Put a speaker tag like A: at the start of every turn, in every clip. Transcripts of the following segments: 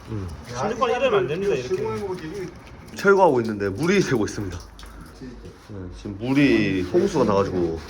A: 실리콘 이러면 안 됩니다. 이렇게
B: 철거하고 있는데 물이 새고 있습니다. 지금 물이 홍수가 나가지고.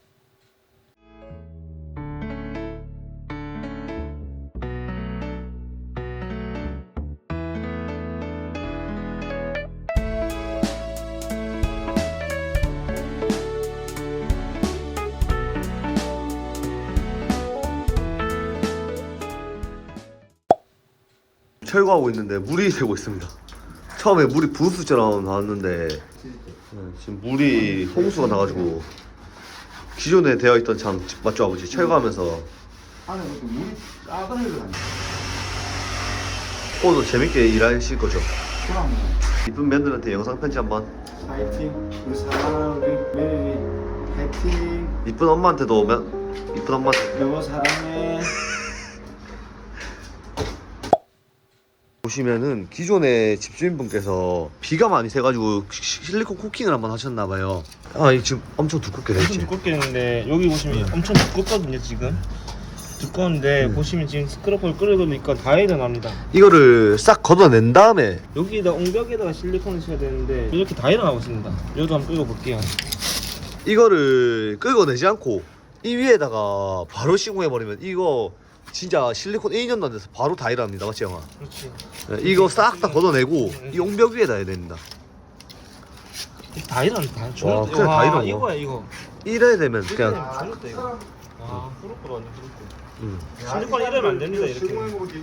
B: 철거하고 있는데 물이 새고 있습니다. 처음에 물이 분수처럼 나왔는데 지금 물이 홍수가 나가지고 기존에 되어 있던 장 맞죠 아버지? 철거하면서
C: 안에 그것도 물이 따뜻하게 다니.
B: 오늘 재밌게 일하실 거죠?
C: 그럼
B: 이쁜 팬들한테 영상 편지 한번.
C: 파이팅. 우리 사랑하는 우리 매일이 파이팅.
B: 이쁜 엄마한테도 이쁜 엄마한테.
C: 여보 사랑해.
B: 보시면은 기존에 집주인분께서 비가 많이 새가지고 실리콘 코킹을 한번 하셨나봐요. 아, 이 지금 엄청 두껍게
A: 엄청
B: 됐지?
A: 두껍게 했는데 여기 보시면 엄청 두껍거든요 지금. 두꺼운데 보시면 지금 스크럽을 끌어놓으니까 다 일어납니다.
B: 이거를 싹 걷어낸 다음에
A: 여기다 옹벽에다가 실리콘을 쳐야 되는데 이렇게 다 일어나고 있습니다. 여기도 한번 끌어볼게요.
B: 이거를 긁어내지 않고 이 위에다가 바로 시공해버리면 이거 진짜 실리콘 1년도 안 돼서 바로 다 일어납니다. 맞지 형아?
A: 그렇지.
B: 네, 이거 싹 다 걷어내고 이 옹벽 위에다 해야 됩니다.
A: 다 일어난다. 다
B: 와, 그래, 다 일어나.
A: 이거야 이거.
B: 이래야 되면 그냥
A: 죽었다 이거. 아 후루꾸로 완전 후루꾸.
B: 음.
A: 실리콘 이러면 안 됩니다 이렇게.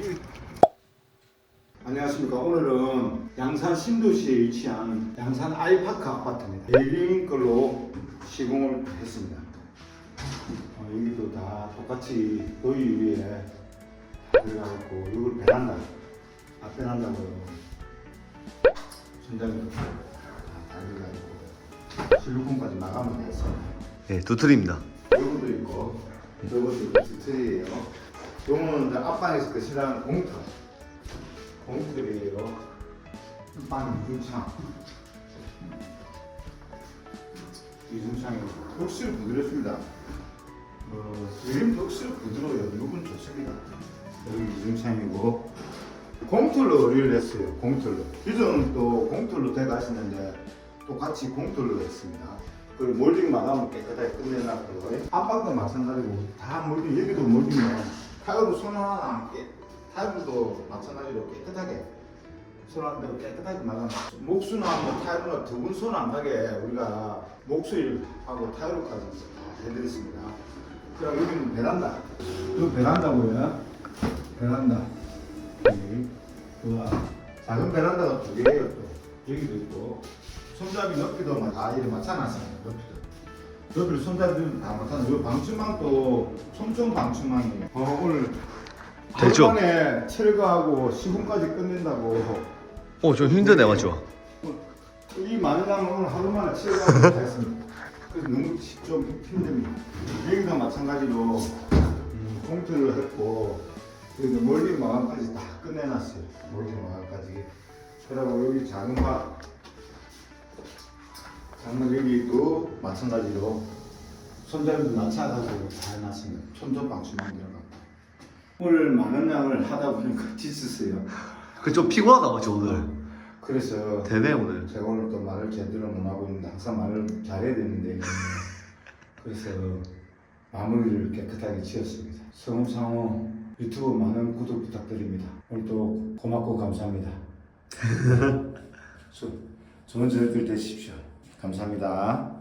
C: 안녕하십니까. 오늘은 양산 신도시에 위치한 양산 아이파크 아파트입니다. 에일링 걸로 시공을 했습니다. 여기도 다 똑같이 도유 위에 그래갖고 이걸 베란다 앞베란다고요. 천장도 다 달려가지고 실루콘까지 마감을 했습니다.
B: 네, 두 틀입니다.
C: 요것도 있고 요것도 있고 스트리예요. 요거는 이제 앞방에서 그 싫어하는 공틀이에요. 빵 이중창이 확실히 부드럽습니다. 그림도 확실히 부드러워요. 이건 좋습니다. 여기 이중창이고 공틀로 의뢰를 했어요. 공틀로. 기존은 또 공틀로 대가시는데 똑같이 공틀로 했습니다. 그리고 몰딩 마감을 깨끗하게 끝내놨고요. 앞방도 마찬가지고 다 몰딩, 여기도 몰딩이에요. 타일도 손 하나 남게, 타일도 마찬가지로 깨끗하게 손 한 대로 깨끗하게 마감. 목수나 뭐 타일이나 두 분 손 안 가게 우리가 목수일하고 타일로까지 다 해드렸습니다. 그럼 여기는 베란다. 이거 베란다고요. 베란다. 여기 작은 베란다가 두 개예요. 또 여기도 있고 손잡이 높이도 다 이렇게 맞춰놨습니다. 높이를 손잡이는 다 맞춰놨어요. 방충망도 촘촘 방충망이에요. 오늘
B: 되죠?
C: 하루 만에 철거하고 시공까지 끝낸다고.
B: 좀 힘드네 맞죠?
C: 이 많은 양을 오늘 하루 만에 철거하고 다 했습니다. 그래서 너무 좀 힘듭니다. 여기도 마찬가지로 공틀을 했고 여기도 몰딩 마감까지 다 끝내놨어요. 몰딩 마감까지. 그리고 여기 작은 여기도 마찬가지로 손잡이도 낮춰가지고 다 해놨습니다. 촘촘 방충망 들어가고. 오늘 많은 양을 하다 보니까 지쳤어요.
B: 그 좀 피곤하다 맞죠 오늘?
C: 그래서
B: 되네 오늘.
C: 제가 오늘 또 말을 제대로 못 하고 있는데 항상 말을 잘해야 되는데 그래서 마무리를 깨끗하게 지었습니다. 성읍상호 유튜브 많은 구독 부탁드립니다. 오늘도 고맙고 감사합니다. 좋은 저녁들 되십시오. 감사합니다.